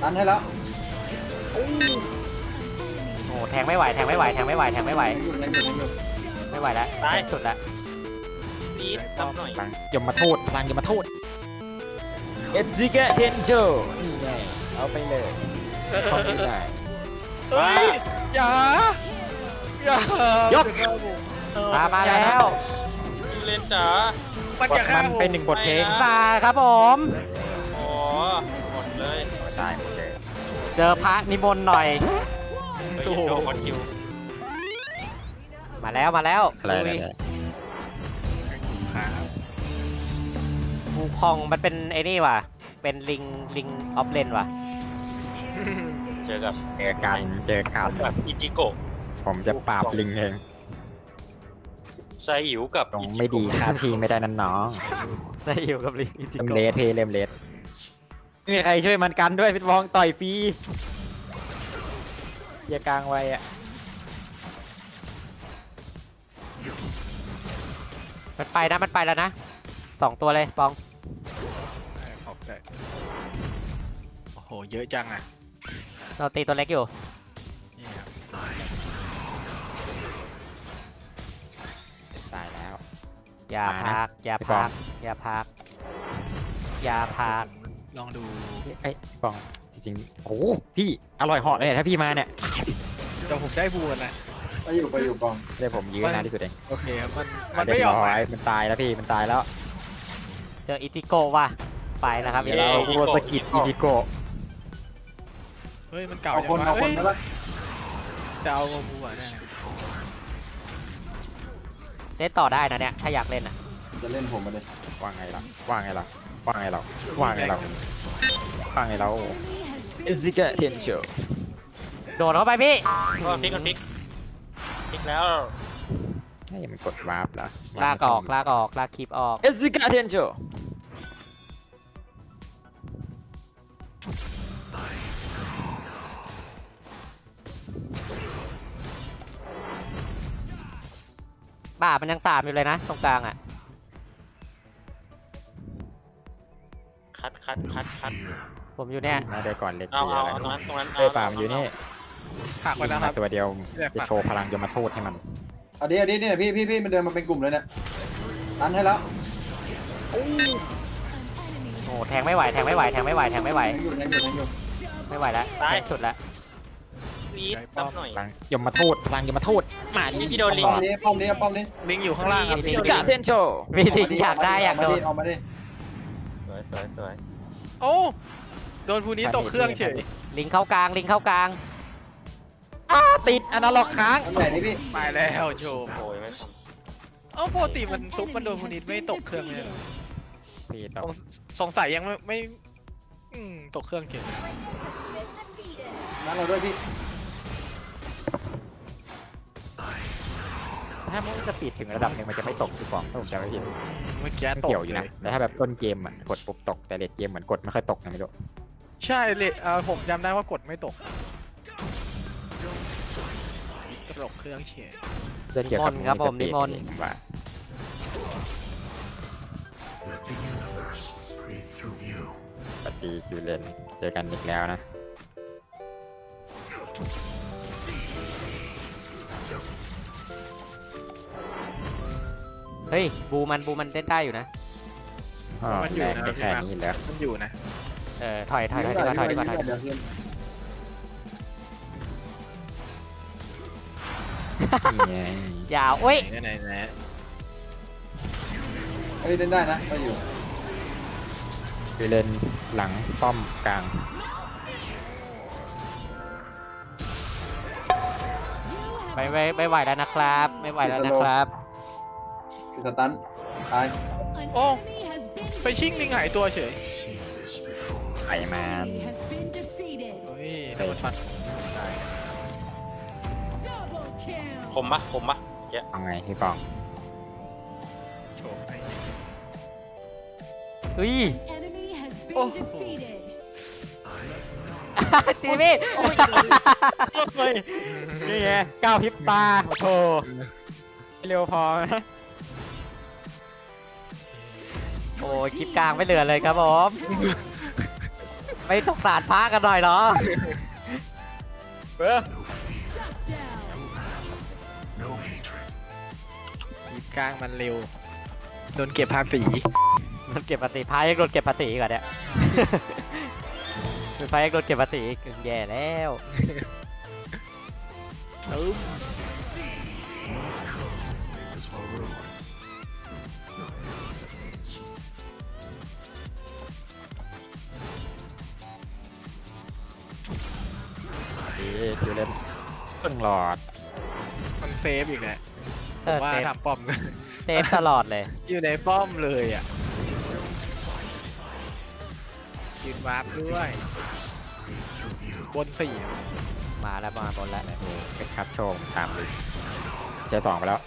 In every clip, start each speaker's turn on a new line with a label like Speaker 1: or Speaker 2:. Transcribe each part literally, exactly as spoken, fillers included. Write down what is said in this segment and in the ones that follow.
Speaker 1: ตันให้แล้ว
Speaker 2: โอ้แทงไม่ไหวแทงไม่ไหวแทงไม่ไหวแทงไม่ไหว
Speaker 1: อยู่ในอยู่ในอยู่
Speaker 2: ไม่ไหวแล้วตายสุดแล้ว
Speaker 3: ปีดทำหน่อย
Speaker 4: พลังยมมาโทษพลังยมมาโทษเอฟซิกะเทนโจนี่ไงเอาไปเลยคอมพิวได้
Speaker 5: เฮ้ยอย่าอย่าย
Speaker 4: ก
Speaker 2: มามาแล้ว
Speaker 3: ยูเลนจ๋า
Speaker 5: มัน
Speaker 4: บ
Speaker 5: จะ
Speaker 4: ท
Speaker 5: ฆ่า
Speaker 4: มัน
Speaker 5: ผม
Speaker 4: เป็นหนึ่งบทเพลง
Speaker 2: มาครับผม
Speaker 3: โอ้หมดเลย
Speaker 4: ตายหมดเลย
Speaker 2: เจอพระนิมนต์หน่อย
Speaker 3: เฮ้ยโดนคอนคิว
Speaker 2: มาแล้วมาแล้ว
Speaker 4: อะไรอะไร
Speaker 5: ครับ
Speaker 2: ฟูคองมันเป็นไอ้นี่ว่ะเป็นลิงลิงออฟเลนว่ะ
Speaker 3: เจอกับ
Speaker 4: เจอกันเจอกัน
Speaker 3: กับอิจิโกะ
Speaker 4: ผมจะปราบลิงเอง
Speaker 3: ไซอิ๋วกับ
Speaker 4: ตรงไม่ดีค่าทีไม่ได้นั่นน้อง
Speaker 2: ได้อยู่กับลิงอิจิ
Speaker 4: เริ่ม
Speaker 2: โกะ
Speaker 4: เลสเพเริ่มเลสไม่มีใครช่วยมันกันด้วยพิทวองต่อยฟรีอย่ากลางไว้อะ
Speaker 2: มันไปนะมันไปแล้วนะสองตัวเลยปอง
Speaker 5: ขอบใจโอ้โหเยอะจังอ่ะ
Speaker 2: เราตีตัวเล็กอยู่
Speaker 5: นี่ครับ
Speaker 4: ตายแล้ว
Speaker 2: อย่า
Speaker 4: มานะ
Speaker 2: พักอย่า
Speaker 4: พี่ปอ
Speaker 2: พั
Speaker 4: ง
Speaker 2: กอย่าพักอย่าพัก
Speaker 5: ลองดู
Speaker 4: ไอ้ยพี่ปองจริงๆโอ้โหพี่อร่อยเหาะเลยเนี่ยถ้าพี่มาเนี่ย
Speaker 5: เดี๋ยวผมได้บูกันนะ
Speaker 1: ไปอยู่ไปอยู่กอง
Speaker 4: ได้ผมยืนนานที่สุดเอง
Speaker 5: โอเคครับมันมัน
Speaker 4: เรี
Speaker 5: ไม่
Speaker 4: ย
Speaker 5: ย
Speaker 4: บ
Speaker 5: อม
Speaker 4: ร้
Speaker 5: ไป
Speaker 4: อยมันตายแล้วพี่มันตายแล้ว
Speaker 2: เจออิจิโกะว่ะไปนะครับ
Speaker 4: เดี๋ยวเราโรสกิดอีดิโกะ
Speaker 5: เฮ้ยมันเก่า
Speaker 1: เอา
Speaker 5: จั
Speaker 1: คน
Speaker 5: งวะ
Speaker 1: เอาคน
Speaker 5: เฮ้ย
Speaker 1: มาแล้ว
Speaker 5: จะเอาบูอ่ะเนี่ย
Speaker 2: เล่นต่อได้นะเนี่ยถ้าอยากเล่นอ่ะ
Speaker 1: จะเล่นผมมาเลย
Speaker 4: ว่าไงล่ะว่าไงล่ะว่าไงล่ะว่าไงล่ะว่าไงเราเอซิกะเทนโช
Speaker 2: โดดเข้าไปพี่
Speaker 3: ก็พลิกกันพลิกพลิกแล้ว
Speaker 4: ให้มันกดวาร์ปเหรอ
Speaker 2: ลากออกลากออกลากคลิปออก
Speaker 4: เอซิกะเทนโช
Speaker 2: บ่ามันยังสามอยู่เลยนะตรงกลางอ่ะ
Speaker 3: คัดคัดคัดคัด
Speaker 2: ผมอยู่เนี่ย
Speaker 4: มาได้ก่อนเล็ก
Speaker 3: เอา
Speaker 4: เดีย
Speaker 3: เอา
Speaker 4: ว
Speaker 3: เอาตรงนั้นตรงนั้น
Speaker 4: เอ้ยปามอยู่นี่
Speaker 5: ผักไปแล้วครับ
Speaker 4: ตัวเดียว
Speaker 5: แยก
Speaker 4: จะ
Speaker 5: ปาก
Speaker 4: โชว์พลังยมโทษให้มัน
Speaker 1: เอาดิเอาดิเนี่ยพี่พี่พี่มันเดินมาเป็นกลุ่มเลยเนี่ยตันให้แล้ว
Speaker 2: โอ้แทงไม่ไหวแทงไม่ไหวแทงไม่ไหวแทงไม่ไหว
Speaker 1: ยังอยู่ยังอยู่ยังอยู่
Speaker 2: ไม่ไหวแล้วแทงสุดแล้ว
Speaker 3: ปีดทำหน่อย
Speaker 4: พลังยมโทษพลังยมโทษมาดิ
Speaker 3: พี่โดนลิง
Speaker 1: ป้อมนี้ป้อมนี้ป้อมนี้
Speaker 5: ลิงอยู่ข้างล่างครับ
Speaker 2: ลิ
Speaker 4: เอง ซิกะเทนโช
Speaker 2: มีลิงอยากได้อยากโดน
Speaker 1: เอามาดิ
Speaker 3: สวยสวยสวย
Speaker 5: โอ้โดนภูนี้ตกเครื่องเฉย
Speaker 2: ลิงเข้ากลางลิงเข้ากลาง
Speaker 4: อ้าติดอนาล็อกค้าง
Speaker 1: เอาใหญ่นี่พี่
Speaker 5: ไปแล้วโชว์
Speaker 3: โอ้ยไม่ท
Speaker 5: เอ้าปกติมันซุปมันโดนภูนี้ไม่ตกเครื่องเลยเหรอ
Speaker 4: พี่ต
Speaker 5: ส
Speaker 4: ก
Speaker 5: งสงสัยยังไม่ไม่อืมตกเครื่องเฉย
Speaker 1: นั้นเราด้วยพี่
Speaker 4: ถ้ามันจะปิดถึงระดับหนึ่งมันจะไม่ตกคือฟองถ้าผมจำไม่ผิด
Speaker 5: เมื่อกี้
Speaker 4: ไม่
Speaker 5: ตก
Speaker 4: เกี่ยวอยู่
Speaker 5: เล
Speaker 4: นะ
Speaker 5: ย
Speaker 4: แต่ถ้าแบบต้นเกมอ่ะกดปุ๊บตกแต่เลดเกมเหมือนกดไม่ค่อยตกนะไม่รู้
Speaker 5: ใช่เลยเออผมจำได้ว่ากดไม่ตกตกเครื่องเฉย
Speaker 4: เรื่องเกี่ยวกับ
Speaker 2: นิมนต์ครับผมนิมนต์
Speaker 4: ผมว่าปฏิคิวเลนเจอกันอีกแล้วนะ
Speaker 2: เฮ้ยบูมันบูมันเล่นได้อยู่นะ
Speaker 4: อ๋อแรงได้แค่นี้แล้ว
Speaker 5: มันอยู่นะ
Speaker 2: เออถอยถอยถอยดีกว่าถอยดีกว่าถอยดีกว่า
Speaker 1: เดี๋ยวเดี๋ยว
Speaker 4: นี่ไง
Speaker 2: ยาวเอ้ย
Speaker 5: ไหนไหนไหน
Speaker 1: เฮ้ยเล่นได้นะไปอยู่
Speaker 4: คิวเลนหลังป้อมกลาง
Speaker 2: ไม่ไม่ไม่ไหวแล้วนะครับ ไม่ไหวแล้วนะครับ
Speaker 1: คือสตันตาย
Speaker 5: โอ้ไปชิ่งลิงหายตัวเฉย
Speaker 4: ไอ้แมน
Speaker 5: เฮ้ยโดนฟันได้
Speaker 3: ำคมปะคมปะเจ๊
Speaker 4: เอาไงพี่ปอง
Speaker 5: โชว์ไป
Speaker 2: เฮ้ย
Speaker 5: โอ้โห
Speaker 2: ตีพี่
Speaker 4: เฮ้ยนี่ไงก้าวพริบตาโอ้โหไม่เร็วพอนะ
Speaker 2: โอ้ยคลิปกลางไม่เหลือเลยครับผม
Speaker 5: เ
Speaker 2: ไม่สงสารพระกันหน่อยเหรอ
Speaker 4: เออทีมกลางมันเร็วโดนเก็บภาษี
Speaker 2: มันเก็บภาษีพระยังโดนเก็บภาษีอีก่อนเนี่ย เป็นพระยังโดนเก็บภาษีอีกแย่แล้ว
Speaker 4: ตึ้มเอ๊ะคิวเล่นตึ้งหลอดมันเซฟอีกแหละ
Speaker 2: เออ
Speaker 4: ว่า
Speaker 2: เซฟ
Speaker 4: ทำป้อม
Speaker 2: เซฟตลอดเลย
Speaker 4: อยู่ในป้อมเลยอ่ะยืนวาร์ปด้วยบนสี่
Speaker 2: มาแล้วมาบนแล้ว
Speaker 4: เป็นคัดโชว์ตามเลยเจอสองไปแล้ว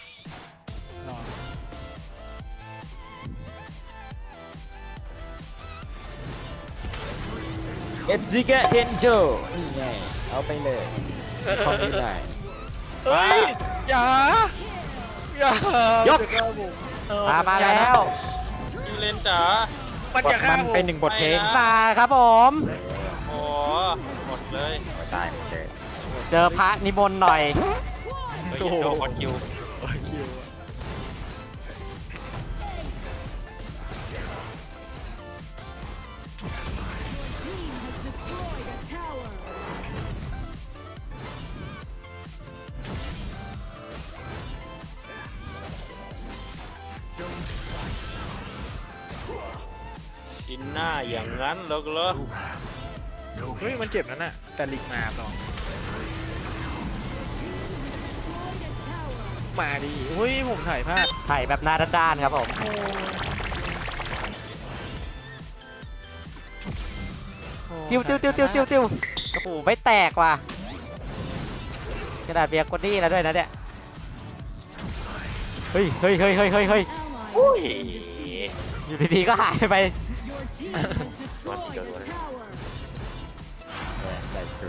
Speaker 4: เอฟซิกะเทนโชนี่ไงเอาไปเลยคอมพิวได้เฮ้ยอย่าอย่ายก
Speaker 2: มามาแล้ว
Speaker 3: ยูเลนจ๋า
Speaker 4: มันจะฆ่าผมเป็นหนึ่งบทเพลง
Speaker 2: มาครับผม
Speaker 3: โอ้หมดเลย
Speaker 4: ตายเจอ
Speaker 2: เจอพระนิมนต์หน่อย
Speaker 3: เฮ้ยโดนคอนคิว
Speaker 4: คิว
Speaker 3: กินหน้าอย่างนั้นเหรอเหรอ
Speaker 4: เฮ้ยมันเจ็บนั่นน่ะแต่ลิงมาลองมาดิเฮ้ยผมถ่ายพลาด
Speaker 2: ไถ่แบบหน้าด้านๆครับผม ติ้วติ้วติ้วติ้วติ้วติ้วโอ้โหไม่แตกว่ะกระดาษเบียร์กดดี้แล้วด้วยนะเนี่ย เฮ้ยเฮ้ยเฮ้ยเฮ้ยเฮ้ยเฮ้ย
Speaker 3: อุ้ย
Speaker 2: อยู่ดีๆก็หายไป
Speaker 3: วันเดียวเลย
Speaker 4: ได้คือ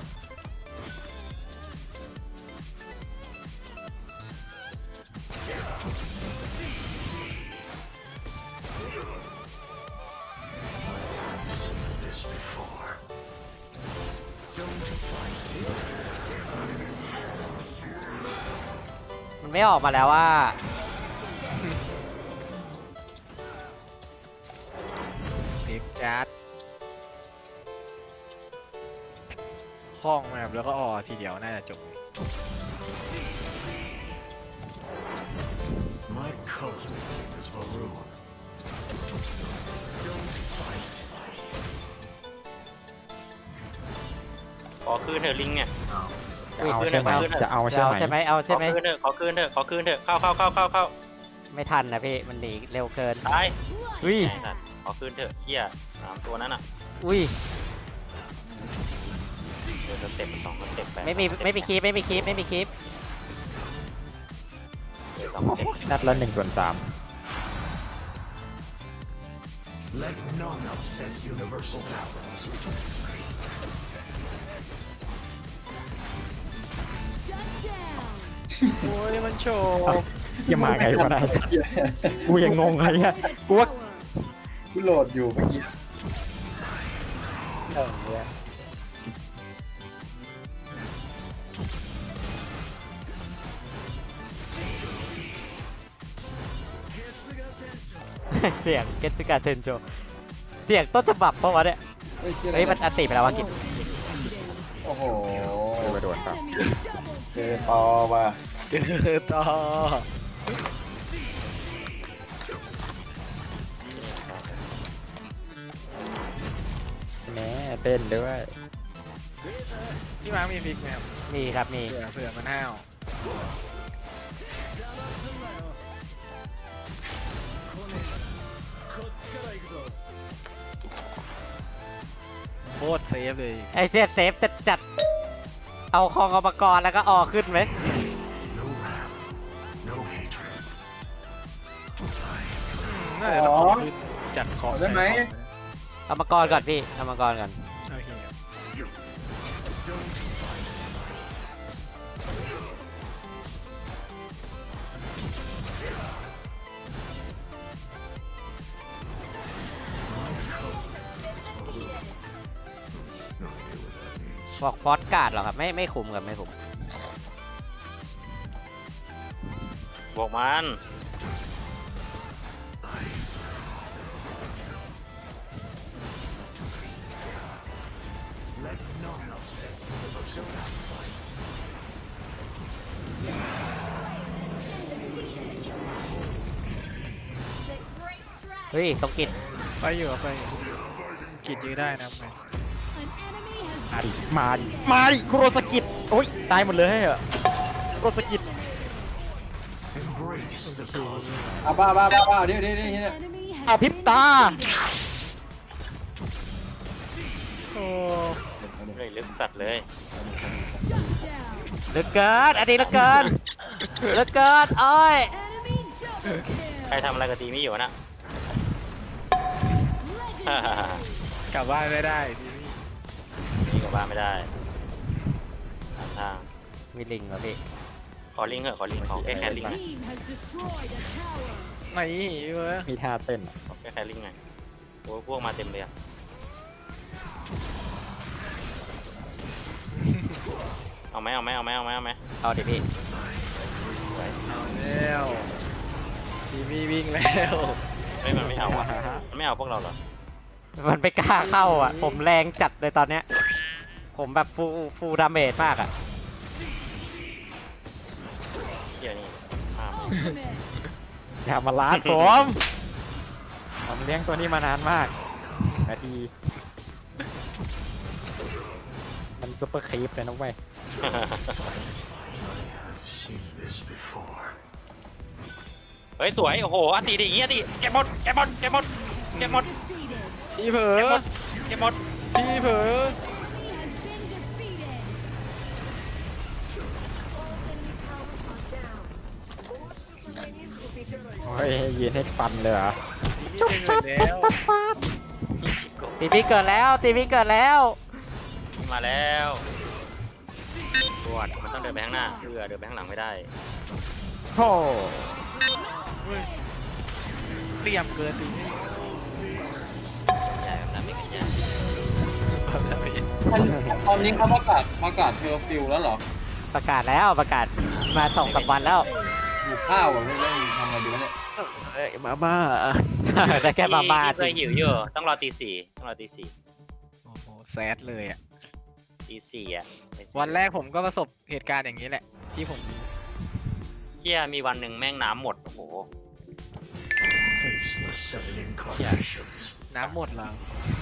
Speaker 2: มันไม่ออกมาแล้วว่า
Speaker 4: เทปจัดคล้องมาแบบแล้วก็ออทีเดียวน่าจะจบเลย
Speaker 6: My cousin is Varun.
Speaker 3: ขอคืนเถอะลิงเนี่ย
Speaker 2: อุ้ย
Speaker 3: เอาใช่ไหม
Speaker 4: จะเอา
Speaker 2: จะเอาใช่ไหมเอา
Speaker 3: ข
Speaker 2: ใช่
Speaker 3: อ
Speaker 2: ไหม
Speaker 3: คืนเถอะขอคืนเถอะขอคืนเถอะเข้าเข้าเข้าเข้าเข้า
Speaker 2: ไม่ทันนะพี่ มันหนีเร็วเกิน
Speaker 3: ตาย
Speaker 2: อุ้ย
Speaker 3: ไอ้สัตว์ขอคืนเถอะเฮียสามตัวนั้นอ่ะ
Speaker 2: อุ้ย
Speaker 3: เดี๋ยวสเต็ปสองสเต็ปป
Speaker 2: ไม่มีไม่มีคลิปไม่มีคลิปไม่มีคลิป
Speaker 3: เดี๋ยวสองสเต็ป
Speaker 4: นัดละหนึ่งส่วนสาม
Speaker 6: Let none upset universal balance.
Speaker 4: โอ้ยมันโชว์
Speaker 5: ยังมาไงวะได้กูยังงงอะไรเงี้ยกูว่า
Speaker 1: กูโหลดอยู่เมื่อกี้
Speaker 2: เสียงเกตสึกาเทนโจเสียงต้นฉบับปะวะเนี่ย
Speaker 1: เฮ้ยชื่ออะไร
Speaker 2: เฮ้ยมันอันติไปแล้ววะกิจ
Speaker 1: โอ้โห
Speaker 4: ไปโดนครับ
Speaker 1: เจอต่อว่ะ
Speaker 4: เจอต่อ
Speaker 5: แหมเต้นด้วย
Speaker 4: พี่มาร์คมีฟิกไหมครับ
Speaker 2: มีครับมี
Speaker 4: เผื่อเผื่อมันห้าวโคตรเซฟเลย
Speaker 2: ไอเจ็ดเซฟจัดจัดเอาคองเอามากรแล้วก็ออขึ้นไหม
Speaker 6: No wrath, no hatred.
Speaker 4: น่าจะต้องเอาขึ้นจัดของ
Speaker 1: ได้ไหม
Speaker 2: เอามากรก่อนพี่เอามากรก่อน
Speaker 4: โอเคครับ
Speaker 2: บอกฟอสการ์ดเหรอครับไม่ไม่คุมครับไม่คุม
Speaker 3: บวกมัน
Speaker 6: Let none upset universal balance.
Speaker 2: เฮ้ยตรงกิจ
Speaker 5: ไปอยู่ไปอยู่กิดยื้อได้นะไป
Speaker 4: มาดิมาดิมาดิโครสกิดโอ้ยตายหมดเลยเหรอโครสกิด
Speaker 6: Embrace the cosmos.
Speaker 1: เอาบ้าบ้าบ้าบ้าเดี๋ยวเดี๋ยวเดี๋ยวเนี่ย
Speaker 4: เอาพริบตา
Speaker 5: โอ้
Speaker 3: เลยลึกสัตว์เลย
Speaker 2: เหลือเกินอันนี้เหลือเกินเหลือเกินโอ้ย
Speaker 3: ใครทำอะไรกับตีมี่อยู่วะน่ะ
Speaker 5: กลับบ้านไม่ได้ทีนี้
Speaker 3: นี่กลับบ้านไม่ได้ตามทาง
Speaker 2: มีลิงเหรอพี่
Speaker 3: ขอลิงเหอะขอลิงของแค่แค่ลิงหน่อย
Speaker 5: ไหนเว้ย
Speaker 4: มีท่าเต้น
Speaker 3: ขอแค่แค่ลิงหน่อยโอ้ยพวกมาเต็มเลยอะเอาไหมเอาไหมเอาไหมเอาไหมเอาไหม
Speaker 2: เอาดิพี่
Speaker 5: เอาแล้วทีวีวิ่งแล้ว
Speaker 3: เฮ้ยมันไม่เอาอะมันไม่เอาพวกเราเหรอ
Speaker 2: มันไม่กล้าเข้าอ่ะผมแรงจัดเลยตอนเนี้ยผมแบบฟูฟูดาเมจมากอ่ะ
Speaker 3: เฮียนี่ห้าม
Speaker 4: อย่ามาล้านผมผมเลี้ยงตัวนี้มานานมากนาทีมันซุปเปอร์ครีปเลยนะเว้ย
Speaker 6: I've seen this before.
Speaker 3: เฮ้ยสวยโอ้โหอติดิอย่างงี้อติเก็บหมดเก็บหมดเก็บหมดเก็บหมด
Speaker 5: พี่เผลอ
Speaker 3: เก็บหมดเก็บหมด
Speaker 5: พี่เผลอ
Speaker 4: โอ้ยยืนให้ฟันเลยเหรอ
Speaker 5: พี่เผลอแล้ว
Speaker 2: ตีพี่เกิดแล้วตีพี่เกิดแล้ว
Speaker 3: มาแล้วปวดมันต้องเดินไปข้างหน้าเรือเดินไปข้างหลังไม่ได้
Speaker 4: โอ้
Speaker 5: เตรียมเกินทีนี้
Speaker 3: ใหญ่แบบนั้นไม่ใหญ่
Speaker 5: แบบนั้นไม่
Speaker 1: ตอนตอนนี้เขาประกาศประกาศเทอร์ฟิวแล้วเหรอ
Speaker 2: ประกาศแล้วประกาศมาสองสามวันแล้ว
Speaker 1: อยู่ข้าวอ่ะไม่ได้ทำอะไรดีวะเนี่ย
Speaker 4: เอ้ยมาบ้า
Speaker 2: ได้แค่มาบ้า
Speaker 3: พี่เค
Speaker 2: จริ
Speaker 3: ย
Speaker 2: ง
Speaker 3: หิวอยู่ต้องรอตีสี่ต้องรอตีสี่
Speaker 5: โอ้โหแซดเลยอ่ะ
Speaker 3: ตีสี่อ่ะ
Speaker 5: วันแรกผมก็ประสบเหตุการณ์อย่างนี้แหละ ที่ผม
Speaker 3: เฮียมีวันหนึ่งแม่งน้ำหมดโอ้โห
Speaker 6: Face the seven incarnations.
Speaker 5: น้ำหมดแล้ว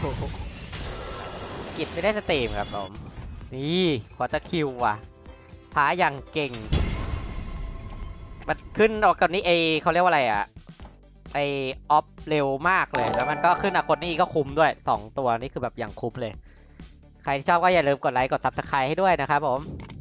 Speaker 2: กิจไม่ได้สตรีมครับผมนี่ขอจะคิวว่ะพาอย่างเก่งมันขึ้นออกกับนี้เอเขาเรียกว่าอะไรอ่ะไอออฟเร็วมากเลยแล้วมันก็ขึ้นอากดนี่ก็คุ้มด้วยสองตัวนี่คือแบบอย่างคุ้มเลย ใครที่ชอบก็อย่าลืมกดไลค์กดซับสไครต์ให้ด้วยนะครับผม